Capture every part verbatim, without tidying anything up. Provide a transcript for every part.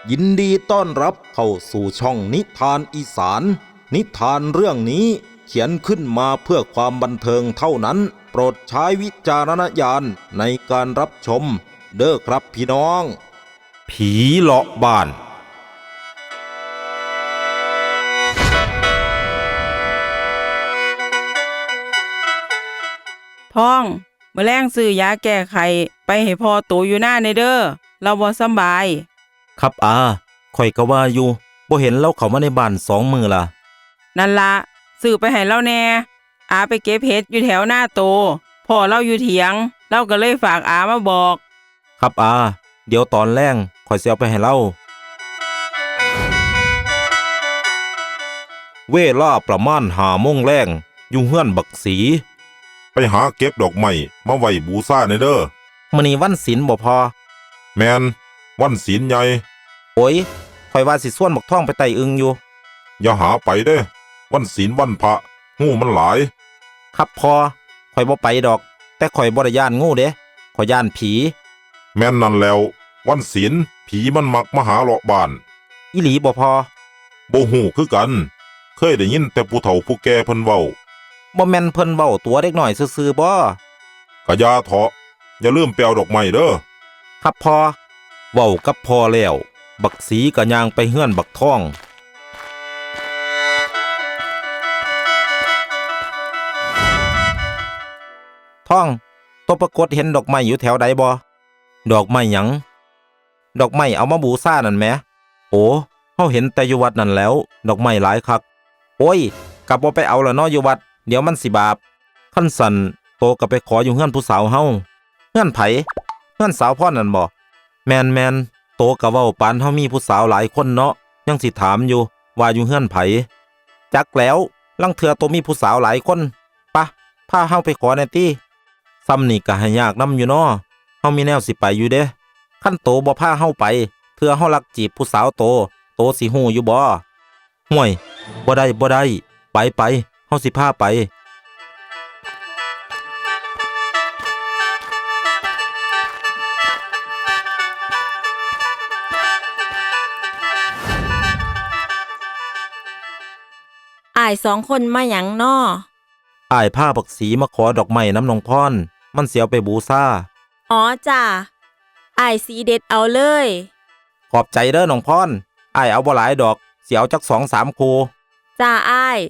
ยินดีต้อนรับเข้าสู่ช่องนิทานอีสานนิทานเรื่องนี้เขียนขึ้นมาเพื่อความบันเทิงเท่านั้นโปรดใช้วิจารณญาณในการรับชมเด้อครับพี่น้องผีเลาะบ้านท้องเมื่อแรงซื้อยาแก้ไขไปให้พ่อโตอยู่หน้าในเด้อเราบ่สำบายครับอาข่อยก็ว่าอยู่บ่เห็นเราเข้ามาในบ้านสองมื้อล่ะนั่นละซื้อไปให้เราแน่อาไปเก็บเห็ดอยู่แถวหน้าโตพ่อเราอยู่เถียงเราก็เลยฝากอามาบอกครับอาเดี๋ยวตอนแรงข่อยสิเอาไปให้เราเวลาประมาณห้าโมงแรงอยู่เฮือนบักสีไปหาเก็บดอกไม้มาไว้บูชาในเด้อมื้อนี้วันศีลบ่พอแม่นวันศีลใหญ่โอ้ยข่อยว่าสิส่วนบักท่องไปไต่อึงอยู่อย่าหาไปเด้อวันศีลวันพระงูมันหลายครับพอข่อยบ่ไปดอกแต่ข่อยบ่ได้ย้านงูเด้ข่อยย้านผีแม่นนั่นแล้ววันศีลผีมันมักมาหาเลาะบ้านอีหลีบ่พอบ่ฮู้คือกันเคยได้ยินแต่ผู้เฒ่าผู้แก่เพิ่นเว้าบ่แม่นเพิ่นเว้าตัวเด็กน้อยซื่อๆบ่กะยาเถาะอย่าลืมไปเอาดอกไม้เด้อครับพอเว้ากับพอแล้วบักสีก็ย่างไปเฮือนบักท่องท่องตัวปรากฏเห็นดอกไม้อยู่แถวใดบ่ดอกไม้หยังดอกไม้เอามาบูชานั่นแหมโอ้เฮาเห็นแต่อยู่วัดนั่นแล้วดอกไม้หลายคักโอ้ยกลับบ่ไปเอาละเนาะอยู่วัดเดี๋ยวมันสิบาปคันสั่นโตก็ไปขออยู่เฮือนผู้สาวเฮาเฮือนไผเฮือนสาวพ่อนั่นบ่แม่นแม่นโตก็เว้าปานเฮามีผู้สาวหลายคนเนาะยังสิถามอยู่ว่าอยู่เฮือนไผจักแล้วลังเทื่อโตมีผู้สาวหลายคนปะพาเฮาไปขอแน่ติซ้ำนี่ก็ให้ยากนำอยู่เนาะเฮามีแนวสิไปอยู่เด้คันโตบ่พาเฮาไปเทื่อเฮาลักจีบผู้สาวโตโตสิฮู้อยู่บ่ห่วยบ่ได้บ่ได้ไปไปเฮาสิพาไปอ้ายสองคนมาหยังน้ออ้ายพาบักสีมาขอดอกไม้น้ำนองพรมันเสียไปบูชาอ๋อจ้าอ้ายสีเด็ดเอาเลยขอบใจเด้อน้องพรอ้ายเอาบ่หลายดอกเสียวจัก สองสาม คู่จ้าอ้าย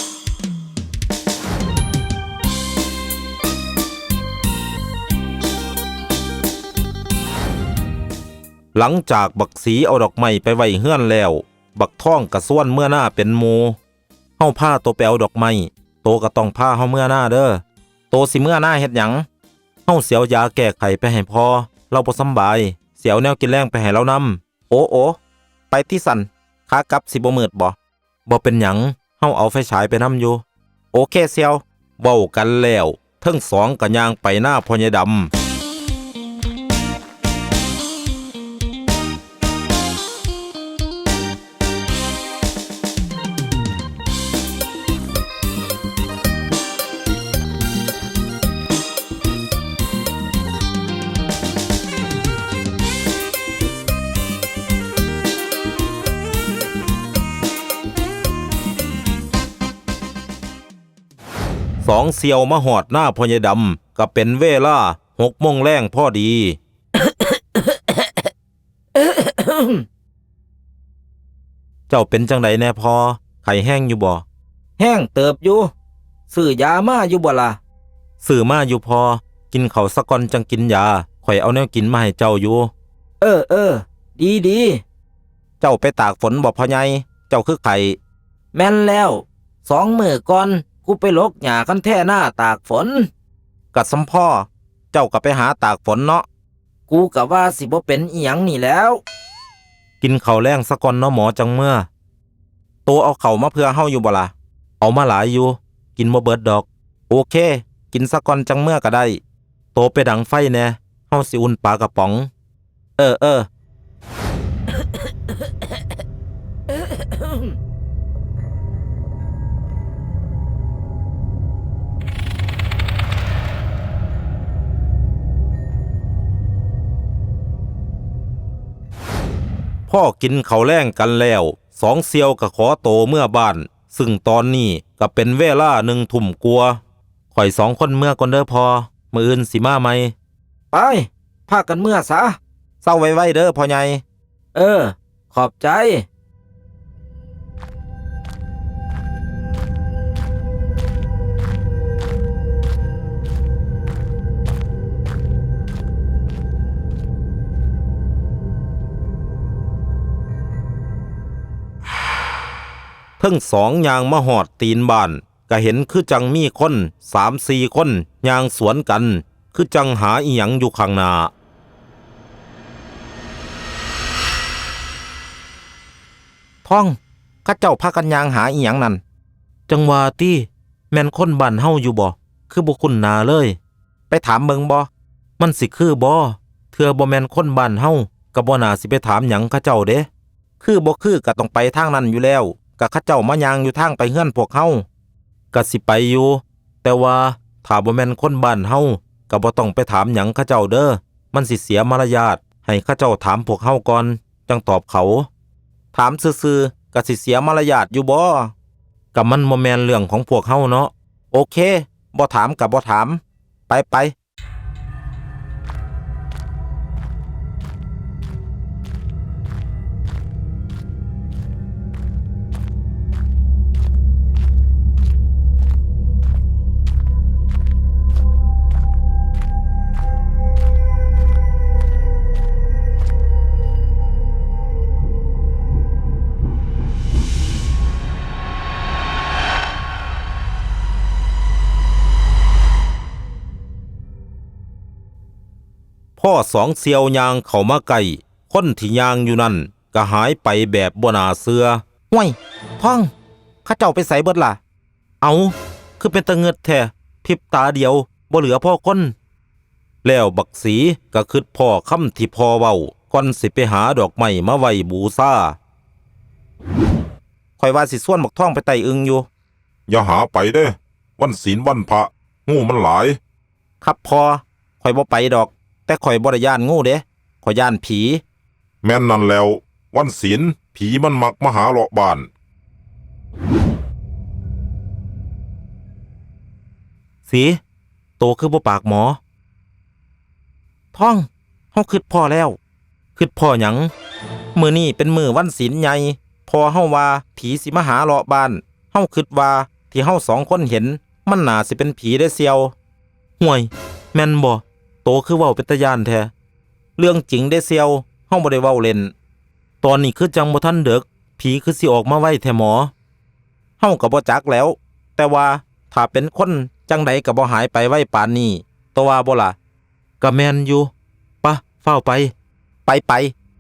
หลังจากบักสีเอาดอกไม้ไปไว้เฮือนแล้วบักท่องกระส่วนเมื่อหน้าเป็นหมู่เฮาพาโตไปเอาดอกไม้โตก็ต้องพาเฮาเมื่อหน้าเด้อโตสิเมื่อหน้าเฮ็ดหยังเฮาเสียวยาแก้ไขไปให้พอเราบ่สำบายเสียวแนวกินแรงไปให้เรานำโอ้โอไปที่สั่นขากลับสิบ่มืดบ่บ่เป็นหยังเฮาเอาไฟฉายไปนำอยู่โอเคเสียวเว้ากันแล้วทั้งสองก็ย่างไปหน้าพ่อใหญ่ดำสองเสี่ยวมาหอดหน้าพ่อใหญ่ดำก็เป็นเวลาหกโมงแรงพอดี เจ้าเป็นจังไดแน่พอไข้แห้งอยู่บ่แห้งเติบอยู่ซื้อยามาอยู่บ่ล่ะซื้อมาอยู่พอกินข้าวสักก่อนจังกินยาข่อยเอาแนวกินมาให้เจ้าอยู่เออเออดีดีเจ้าไปตากฝนบ่พ่อใหญ่เจ้าคือไข้แม่นแล้วสองมื้อก่อนกูไปลกหญ้ากันแท่หน้าตากฝนกัดสำพ่อเจ้าก็ไปหาตากฝนเนาะกูกะว่าสิบ่เป็นอีหยังนี่แล้วกินข้าวแรงซะก่อนเนาะหมอจังเมื่อโตเอาข้าวมาเพื่อเฮาอยู่บ่ล่ะเอามาหลายอยู่กินบ่เบิดดอกโอเคกินซะก่อนจังเมื่อก็ได้โตไปดังไฟแน่เฮาสิอุ่นปลากระป๋องเออเออพ่อกินข้าวแล้งกันแล้วสองเซียวก็ขอโตเมื่อบ้านซึ่งตอนนี้ก็เป็นเวลาหนึ่งทุ่มกลัวาข่อยสองคนเมื่อก่อนเด้อพอมื้ออื่นสิมาไหมไปพากันเมื่อซะเศร้าไว้ๆเด้อพ่อใหญ่เออขอบใจทั้งสองยางมาหอดตีนบ้านก็เห็นคือจังมีคนสามสี่คนยางสวนกันคือจังหาอีหยังอยู่ข้างหน้าท่องข้าเจ้าพากันยางหาอีหยังนั่นจังว่าตี้แม่นคนบ้านเฮาอยู่บ่คือบ่คุ้นหน้าเลยไปถามเบิ่งบ่มันสิคือบ่เทื่อบ่แม่นคนบ้านเฮาก็บ่น่าสิไปถามหยังข้าเจ้าเด้คือบ่คือก็ต้องไปทางนั้นอยู่แล้วก็ข้าเจ้ามายางอยู่ทางไปเฮือนพวกเฮาก็สิไปอยู่แต่ว่าถ้าบ่แม่นคนบ้านเฮาก็บ่ต้องไปถามหยังข้าเจ้าเด้อมันสิเสียมารยาทให้ข้าเจ้าถามพวกเฮาก่อนจังตอบเขาถามซื่อๆก็สิเสียมารยาทอยู่บ่ก็มันบ่แม่นเรื่องของพวกเฮาเนาะโอเคบ่ถามก็บ่ถามไปไปพ่อสองเซียวยางเข้ามาใกล้คนที่ยางอยู่นั่นก็หายไปแบบบ่น่าเชื่อห้วยท่องข้าเจ้าไปไสเบิดล่ะเอาคือเป็นตะเงิดแท้พริบตาเดียวบ่เหลือพ่อคนแล้วบักสีก็คิดพ่อคำที่พ่อเว้าก่อนสิไปหาดอกไม้มาไว้บูชาข่อยว่าสิส่วนบักท่องไปไต่อึงอยู่อย่าหาไปเด้วันศีลวันพระงูมันหลายครับพ่อข่อยบ่ไปดอกแต่ข่อยบ่ได้ย่านงูเด้ข่อยย่านผีแม่นนั่นแล้ววันศีลผีมันมักมาหาเลาะบ้านสีโตคือบ่ปากหมอท่องเฮาคิดพ่อแล้วคิดพ่อหยังมื้อนี้เป็นมื้อวันศีลใหญ่พอเฮาว่าผีสิมาหาเลาะบ้านเฮาคิดว่าที่เฮาสองคนเห็นมันน่าสิเป็นผีได้เซียวห่วยแม่นบ่โตคือเว้าเป็นตาย่านแท้เรื่องจริงได้เซียวเฮาบ่ได้เว้าเล่นตอนนี้คือจังบ่ทันเด็กผีคือสิออกมาไว้แท้หมอเฮาก็บ่จักแล้วแต่ว่าถ้าเป็นคนจังใดก็บ่หายไปไว้ปานนี้ตัวว่าบ่ล่ะก็แม่นอยู่ปะเฝ้าไปไปไป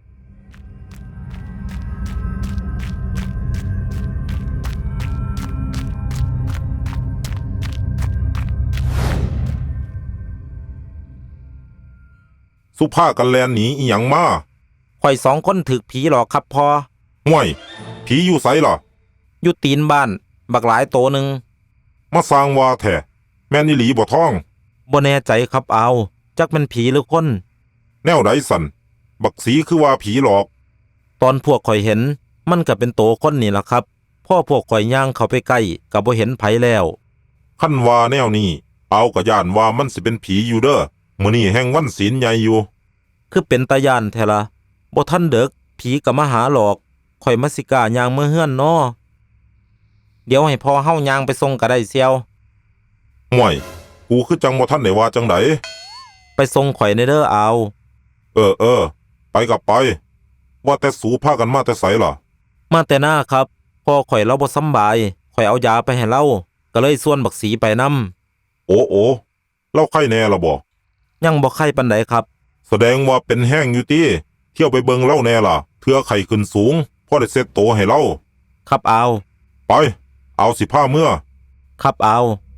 สุภากันแลนหนีอีหยังมาข่อยสองคนถึกผีหลอกครับพอห่วยผีอยู่ไสล่ะอยู่ตีนบ้านบักหลายโตหนึ่งมาสร้างว่าแท้แม่นอีหลีบ่ท่องบ่แน่ใจครับเอาจักเป็นผีหรือคนแนวใดสั่นบักสีคือว่าผีหลอกตอนพวกข่อยเห็นมันก็เป็นโตคนนี่ล่ะครับพ่อพวกข่อยย่างเข้าไปใกล้ก็บ่เห็นไผแล้วคันว่าแนวนี้เอาก็ย่านว่ามันสิเป็นผีอยู่เด้อมื้อนี้แห่งวันศีลใหญ่อยู่คือเป็นตาย่านแท้ละบ่ทันเด็กผีก็มาหาหลอกข่อยมาสิกล้าย่างเมื่อเฮือนน้อเดี๋ยวให้พ่อเฮาย่างไปส่งก็ได้เซียวห่วยกูคือจังบ่ทันได้ว่าจังไดไปส่งข่อยในเด้อเอาเออเออไปกับไปว่าแต่สูพากันมาแต่ไสล่ะมาแต่หน้าครับพ่อข่อยเราบ่สำบายข่อยเอายาไปให้เราก็เลยส่วนบักสีไปนำโอ้โอเล่าไข้แน่ล่ะบ่ยังบ่ไข้ปานใดครับแสดงว่าเป็นแห้งอยู่ติเที่ยวไปเบิ่งเล่าแน่ล่ะเทื่อไข้ขึ้นสูงพอได้เซ็ตโตให้เล่าครับเอาไปเอาสิพาเมื่อครับเอา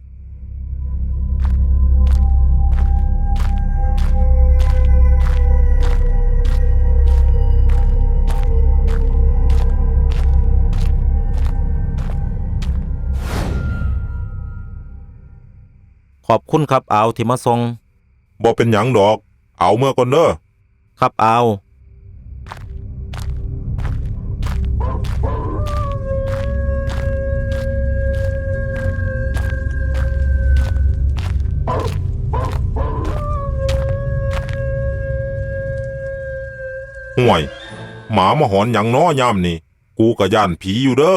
ขอบคุณครับเอาที่มาส่งบ่เป็นหยังดอกเอาเมื่อก่อนเด้อครับเอาห่วย หมามาหอนหยังน้อยามนี่ กูกะย่านผีอยู่เด้อ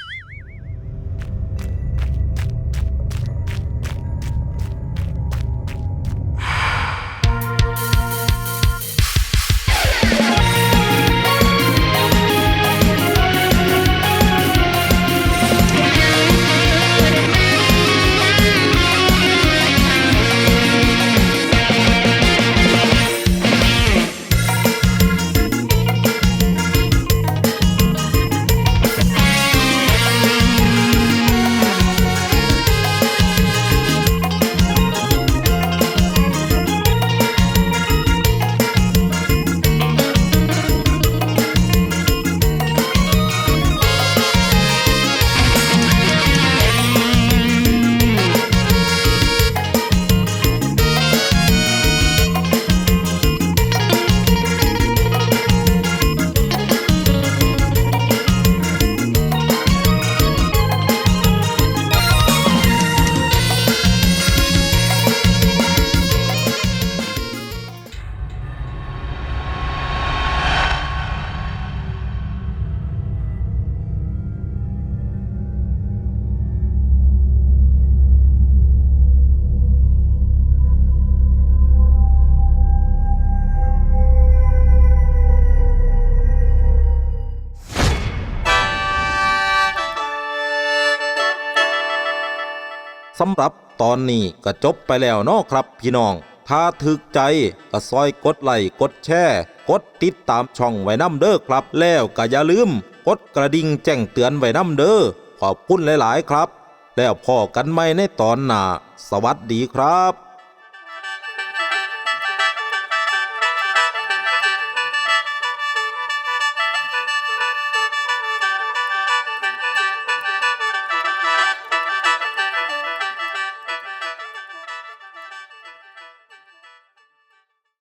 สำหรับตอนนี้ก็จบไปแล้วเนาะครับพี่น้อง ถ้าถึกใจก็ซอยกดไลค์กดแชร์กดติดตามช่องไว้นำเด้อครับ แล้วก็อย่าลืมกดกระดิ่งแจ้งเตือนไว้นำเด้อขอบคุณหลายๆครับ แล้วพอกันใหม่ในตอนหน้าสวัสดีครับ